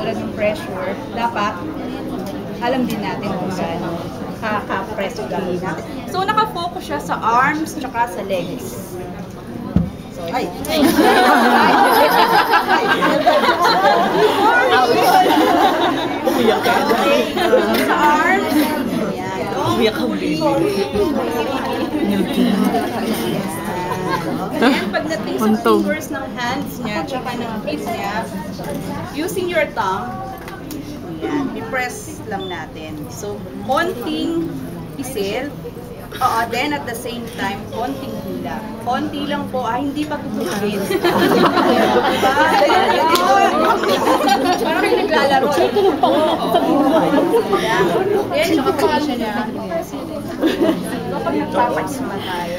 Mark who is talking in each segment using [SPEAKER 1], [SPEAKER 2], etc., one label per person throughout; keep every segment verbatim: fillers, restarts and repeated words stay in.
[SPEAKER 1] katulad ng pressure, dapat alam din natin kung gaano kaka-press yung gagawin natin. So, nakafocus siya sa arms tsaka sa legs. So, ay! Ay!
[SPEAKER 2] Umiyak ka.
[SPEAKER 1] Sa arms.
[SPEAKER 2] Umiyak ka, baby.
[SPEAKER 1] And pagdating sa fingers ng hands niya, tsaka ng feet niya, using your tongue, yan, i-press lang natin. So, konting pisil, oo, then at the same time, konting hula. Konti lang po, ah, hindi pa tutugin. Diba? Parang may naglalaro. Then, yung kapalisya niya, kapag nagpapagsama tayo,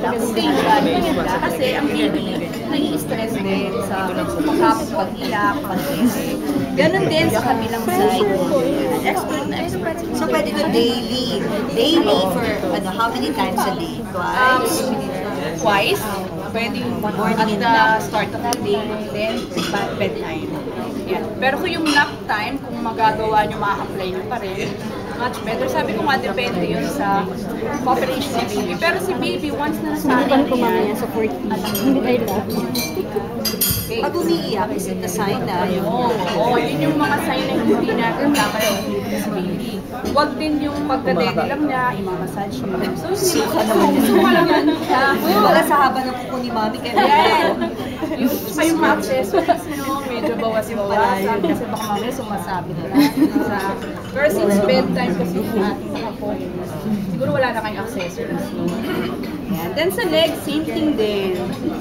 [SPEAKER 1] kasi ang baby, nai-stress din sa pagkapit, pag-ilak, pag-isi. Ganon din sa kabilang side. Expert na expert.
[SPEAKER 3] So, pwede ko daily. Daily for ano, how many times a day? Twice?
[SPEAKER 1] Um, twice. Pwede yung at the start of the day, then bedtime. Yan. Pero kung yung nap time, kung magagawa nyo, ma-apply nyo pa rin, much better. Sabi ko nga, depende yun sa population ni baby. Pero si baby, once na nasanay na yan,
[SPEAKER 4] sa forty. Hindi tayo lahat.
[SPEAKER 1] okay.
[SPEAKER 3] Pag umiiyak, is it the sign na yung...
[SPEAKER 1] Oo, oh, yun yung mga sign na hindi natin dapat sa baby. Huwag din yung pagkadede lang niya, imamassage mo. So, suka naman yun. Suka naman siya.
[SPEAKER 3] Wala sa haba ng kuko ni mami, kaya
[SPEAKER 1] Yan. Yung pa yung accessories, no, medyo bawas-bawasan kasi baka mamaya sumasabit na. Sa, pero since bedtime kasi yung ating nakapokus, siguro wala na kayong accessories. Yan. Then sa leg, same thing din.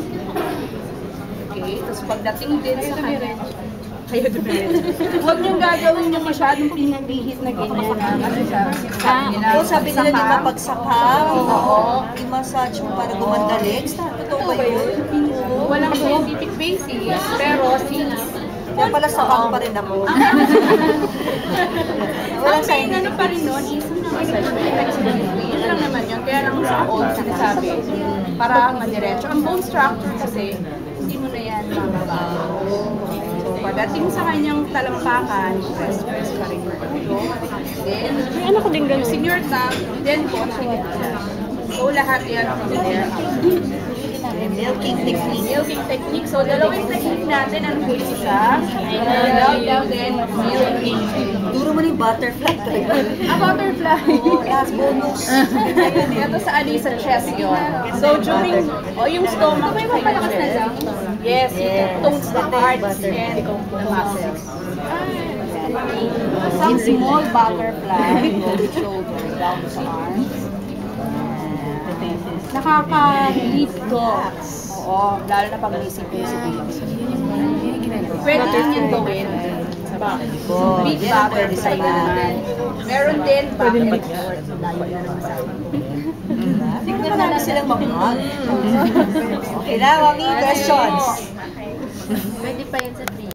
[SPEAKER 1] Okay, tapos pagdating din sa kanan, kayo dumiretso. Huwag niyong gagawin yung masyadong pinagihit na ganyan na kasi sabi nila.
[SPEAKER 3] Oo, sabi nila di mapagsaka.
[SPEAKER 1] Oo.
[SPEAKER 3] I-massage mo para gumanda legs. Totoo ba yun?
[SPEAKER 1] Walang scientific basis, pero since
[SPEAKER 3] Kaya pala sakang pa rin ako.
[SPEAKER 1] ang main ano pa rin nun is massage. Yun lang naman yun. Kaya lang sa old sinasabi, para madiretso. Ang bone structure kasi, hindi mo na yan mababago. So, pagdating sa kanyang talampakan, press, press pa rin yung ulo. Then,
[SPEAKER 4] Ano ko din ganun?
[SPEAKER 1] using your tongue, then konting. So, lahat yan from there.
[SPEAKER 3] Milking technique.
[SPEAKER 1] Milking technique. So, dalawang technique natin. Ang huli isa. Love, then milking.
[SPEAKER 3] Duro mo na yung butterfly.
[SPEAKER 1] Ah, butterfly.
[SPEAKER 3] Oo, last bonus.
[SPEAKER 1] Ito sa ali sa chest yun. So, during, o oh, yung stomach, may mapalakas na lang. Yes,
[SPEAKER 3] Yes.
[SPEAKER 1] yung tones ng hearts and the muscles. Some small butterfly, go to shoulder, down sa arms. Nakaka-deep dogs. Oo, lalo na pag naisip ko si baby. Pwede din yung gawin. Big butterfly naman. Meron din back and forth.
[SPEAKER 3] Tignan na namin silang mag-hug. Okay na, mami, questions.
[SPEAKER 4] Pwede pa yan sa three.